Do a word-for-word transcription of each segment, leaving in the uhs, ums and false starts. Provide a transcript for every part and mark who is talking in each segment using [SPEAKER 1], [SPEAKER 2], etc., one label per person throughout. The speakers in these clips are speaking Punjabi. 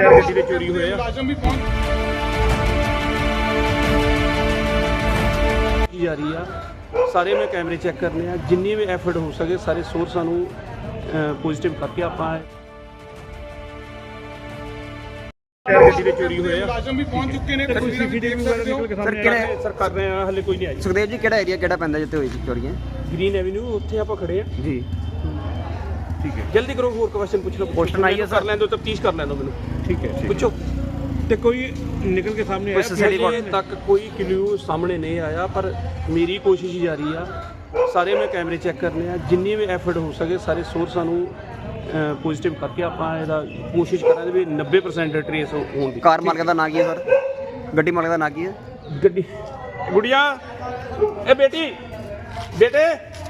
[SPEAKER 1] ਟਾਇਰ ਗੱਡੀ ਦੇ ਚੋਰੀ ਹੋਏ ਆ ਜਾ ਰਹੀ ਆ। ਸਾਰੇ ਮੈਂ ਕੈਮਰੇ ਚੈੱਕ ਕਰਨੇ ਆ, ਜਿੰਨੀ ਵੀ ਐਫਰਟ ਹੋ ਸਕੇ ਸਾਰੇ ਸੋਰਸਾਂ ਨੂੰ ਪੋਜ਼ਿਟਿਵ ਕਰਕੇ ਆਪਾਂ ਟਾਇਰ ਗੱਡੀ ਦੇ ਚੋਰੀ ਹੋਏ ਆ।
[SPEAKER 2] ਮੁਲਾਜ਼ਮ ਵੀ ਪਹੁੰਚ ਚੁੱਕੇ ਨੇ।
[SPEAKER 1] ਕੋਈ ਸੀਸੀਟੀਵੀ ਵਗੈਰਾ ਨਿਕਲ ਕੇ ਸਾਹਮਣੇ ਆ ਰਿਹਾ ਸਰ, ਕਰ ਰਹੇ ਆ, ਹਲੇ ਕੋਈ ਨਹੀਂ ਆਈ।
[SPEAKER 3] ਸੁਖਦੇਵ ਜੀ ਕਿਹੜਾ ਏਰੀਆ ਕਿਹੜਾ ਪੈਂਦਾ ਜਿੱਥੇ ਹੋਈ ਸੀ ਚੋਰੀਆਂ?
[SPEAKER 1] ਗ੍ਰੀਨ ਐਵਨਿਊ, ਉੱਥੇ ਆਪਾਂ ਖੜੇ ਆ
[SPEAKER 3] ਜੀ
[SPEAKER 1] ਠੀਕ ਹੈ। ਜਲਦੀ ਕਰੋ, ਹੋਰ ਕੁਐਸਚਨ ਪੁੱਛ ਲਓ।
[SPEAKER 3] ਕੁਐਸਚਨ ਆਈ ਹੈ ਸਰ,
[SPEAKER 1] ਕਰ ਲੈਣ ਦਿਓ, ਤਫਤੀਸ਼ ਕਰ ਲੈਣ ਦਿਓ ਮੈਨੂੰ।
[SPEAKER 2] ਠੀਕ ਹੈ
[SPEAKER 1] ਪੁੱਛੋ।
[SPEAKER 2] ਤੇ ਕੋਈ ਨਿਕਲ ਕੇ ਸਾਹਮਣੇ ਆਇਆ?
[SPEAKER 1] ਹਲੇ ਤੱਕ ਕੋਈ ਕਲੂ ਸਾਹਮਣੇ ਨਹੀਂ ਆਇਆ, ਪਰ ਮੇਰੀ ਕੋਸ਼ਿਸ਼ ਜਾਰੀ ਆ। ਸਾਰੇ ਮੈਂ ਕੈਮਰੇ ਚੈੱਕ ਕਰਨੇ ਆ, ਜਿੰਨੀ ਵੀ ਐਫਰਟ ਹੋ ਸਕੇ ਸਾਰੇ ਸੋਰਸਾਂ ਨੂੰ ਪੋਜ਼ਿਟਿਵ ਕਰਕੇ ਆਪਾਂ ਇਹਦਾ ਕੋਸ਼ਿਸ਼ ਕਰਾਂਗੇ ਵੀ ਨੱਬੇ ਪਰਸੈਂਟ ਟਰੇਸ ਹੋਣ ਦੀ।
[SPEAKER 3] ਕਾਰ ਮਾਲਕ ਦਾ ਨਾਂ ਕੀ ਹੈ ਸਰ? ਗੱਡੀ ਮਾਲਕ ਦਾ ਨਾਂ ਕੀ ਹੈ?
[SPEAKER 1] ਗੱਡੀ ਗੁੜੀਆ, ਇਹ ਬੇਟੀ ਬੇਟੇ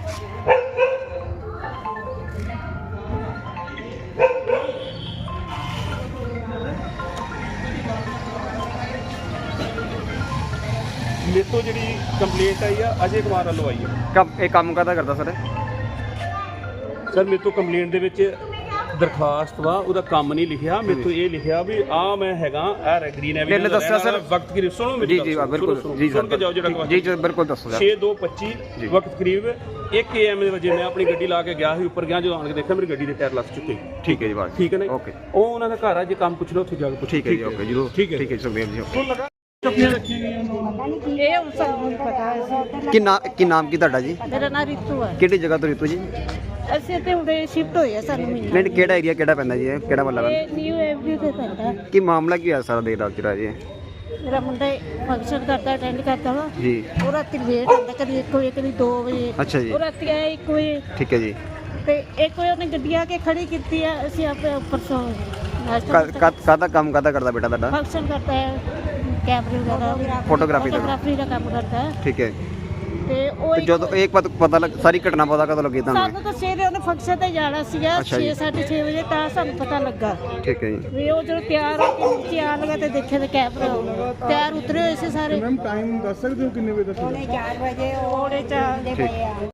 [SPEAKER 1] ਮੇਰੇ ਤੋਂ ਜਿਹੜੀ ਕੰਪਲੇਂਟ ਆਈ ਆ ਅਜੇ ਕੁਮਾਰ ਵੱਲੋਂ ਆਈ ਹੈ।
[SPEAKER 3] ਕੰਮ ਇਹ ਕੰਮ ਕਾਹਦਾ ਕਰਦਾ ਸਰ?
[SPEAKER 1] ਸਰ ਮੇਰੇ ਤੋਂ ਕੰਪਲੇਂਟ ਦੇ ਵਿੱਚ ਦਰਖਾਸਤ ਵਾ, ਉਹਦਾ ਕੰਮ ਨਹੀਂ ਲਿਖਿਆ। ਮੇਰੇ ਤੋਂ ਇਹ ਲਿਖਿਆ ਵੀ ਆ ਮੈਂ ਹੈਗਾ ਇਹ ਗ੍ਰੀਨ ਐਵਨਿਊ
[SPEAKER 3] ਇਹਨੇ ਦੱਸਿਆ ਸਰ
[SPEAKER 1] ਵਕਤ ਕਰੀਬ ਸੁਣੋ ਮੇਰੀ
[SPEAKER 3] ਜੀ
[SPEAKER 1] ਗੱਲ,
[SPEAKER 3] ਜੀ
[SPEAKER 1] ਸੁਣੋ,
[SPEAKER 3] ਬਿਲਕੁਲ
[SPEAKER 1] ਸੁਣੋ,
[SPEAKER 3] ਜੀ
[SPEAKER 1] ਸੁਣ ਕੇ ਜਾਓ ਜਿਹੜਾ
[SPEAKER 3] ਸਰ ਜੀ ਜੀ ਬਿਲਕੁਲ ਦੱਸੋ ਸਰ।
[SPEAKER 1] ਛੇ ਦੋ ਪੱਚੀ ਵਕਤ ਕਰੀਬ ਇੱਕ ਏ ਐਮ ਦੇ ਵਜੇ ਮੈਂ ਆਪਣੀ ਗੱਡੀ ਲਾ ਕੇ ਗਿਆ ਸੀ ਉੱਪਰ ਗਿਆ, ਜਦੋਂ ਆਣ ਕੇ ਦੇਖਿਆ ਮੇਰੀ ਗੱਡੀ ਦੇ ਟਾਇਰ ਲੱਸ ਚੁੱਕੇ।
[SPEAKER 3] ਠੀਕ ਹੈ ਜੀ ਬਾਤ
[SPEAKER 1] ਠੀਕ ਹੈ ਨਾ?
[SPEAKER 3] ਓਕੇ
[SPEAKER 1] ਉਹ ਉਹਨਾਂ ਦਾ ਘਰ ਆ, ਜੇ ਕੰਮ ਪੁੱਛ ਲਓ ਉੱਥੇ ਜਾ ਕੇ ਪੁੱਛੋ।
[SPEAKER 3] ਠੀਕ ਹੈ ਜੀ ਓਕੇ ਜਰੂਰ
[SPEAKER 1] ਠੀਕ ਹੈ
[SPEAKER 3] ਠੀਕ ਹੈ ਸੁਖਦੇਵ ਜੀ
[SPEAKER 1] ਚੁੱਪੀਆਂ ਰੱਖੀਆਂ ਗਈਆਂ।
[SPEAKER 4] ਇਹ ਹੁਣ ਸਾਨੂੰ ਨਹੀਂ ਪਤਾ ਹੈ।
[SPEAKER 3] ਕੀ ਨਾਮ ਕੀ ਨਾਮ ਕੀ ਤੁਹਾਡਾ ਜੀ?
[SPEAKER 4] ਮੇਰਾ ਨਾਂ ਰਿਤੂ ਹੈ।
[SPEAKER 3] ਕਿਹੜੀ ਜਗ੍ਹਾ ਤੋਂ ਰਿਤੂ ਜੀ?
[SPEAKER 4] ਅਸੀਂ ਇੱਥੇ ਹੁਣੇ ਸ਼ਿਫਟ ਹੋਏ ਆ, ਸਾਨੂੰ ਮਹੀਨਾ।
[SPEAKER 3] ਨਹੀਂ ਕਿਹੜਾ ਏਰੀਆ ਕਿਹੜਾ ਪੈਂਦਾ ਜੀ? ਇਹ ਕਿਹੜਾ ਮਤਲਬ ਹੈ?
[SPEAKER 4] ਇਹ ਨਿਊ ਐਵਰੀ ਤੇ ਪੈਂਦਾ।
[SPEAKER 3] ਕੀ ਮਾਮਲਾ ਕੀ ਹੋਇਆ ਸਾਰਾ ਦੇਰ ਰਾਤ ਚ ਜੀ?
[SPEAKER 4] ਮੇਰਾ ਮੁੰਡਾ ਫੰਕਸ਼ਨ ਕਰਦਾ, ਅਟੈਂਡ ਕਰਦਾ ਵਾ।
[SPEAKER 3] ਜੀ
[SPEAKER 4] ਉਹ ਰਾਤੀ ਲੇਟ ਆਉਂਦਾ, ਕਦੀ ਇੱਕ ਵਜੇ ਕਦੀ ਦੋ ਵਜੇ।
[SPEAKER 3] ਅੱਛਾ ਜੀ
[SPEAKER 4] ਉਹ ਰਾਤੀ ਆਇਆ ਇੱਕ ਵਜੇ
[SPEAKER 3] ਠੀਕ ਹੈ ਜੀ।
[SPEAKER 4] ਤੇ ਇੱਕ ਵਜੇ ਉਹਨੇ ਗੱਡੀ ਆ ਕੇ ਖੜੀ ਕੀਤੀ ਆ। ਅਸੀਂ ਆਪੇ ਉੱਪਰ ਸੌ ਨਾਸ਼ਤਾ
[SPEAKER 3] ਕਾਹਦਾ ਕੰਮ ਕਾਹਦਾ ਕਰਦਾ ਬੇਟਾ ਤੁਹਾਡਾ?
[SPEAKER 4] ਫੰਕਸ਼ਨ ਕਰਦਾ ਹੈ, ਕੈਮਰੇ ਵਗੈਰਾ
[SPEAKER 3] ਫੋਟੋਗ੍ਰਾਫੀ ਦਾ
[SPEAKER 4] ਫੋਟੋਗ੍ਰਾਫੀ ਦਾ ਕੰਮ ਕਰਦਾ ਹੈ।
[SPEAKER 3] ਠੀਕ ਹੈ।
[SPEAKER 4] ਤੇ ਉਹ
[SPEAKER 3] ਤੇ ਜਦੋਂ ਇੱਕ ਪਤਾ ਪਤਾ ਲੱਗ ਸਾਰੀ ਘਟਨਾ ਪਤਾ ਕਦੋਂ ਲੱਗੀ ਤੁਹਾਨੂੰ?
[SPEAKER 4] ਸਾਨੂੰ ਤਾਂ ਸਵੇਰੇ ਉਹਨੇ ਫੰਕਸ਼ਨ ਤੇ ਜਾਣਾ ਸੀਗਾ
[SPEAKER 3] ਅੱਛਾ ਜੀ।
[SPEAKER 4] ਛੇ ਸਾਢੇ ਛੇ ਵਜੇ, ਤਾਂ ਸਾਨੂੰ ਪਤਾ ਲੱਗਾ
[SPEAKER 3] ਠੀਕ ਹੈ ਜੀ।
[SPEAKER 4] ਵੀ ਉਹ ਜਦੋਂ ਤਿਆਰ ਹੋ ਕੇ ਨੀਚੇ ਆਣ ਲੱਗਾ ਤੇ ਦੇਖਿਆ ਤੇ ਕੈਮਰਾ ਤਿਆਰ ਉਤਰੇ ਹੋਏ ਸੀ ਸਾਰੇ।
[SPEAKER 2] ਮੈਮ ਟਾਈਮ ਦੱਸ ਸਕਦੇ ਹੋ ਕਿੰਨੇ ਵਜੇ ਦਾ ਸੀ?
[SPEAKER 4] ਚਾਰ ਵਜੇ ਉਹਦੇ ਚਾਰ ਦੇ ਪਏ ਆ।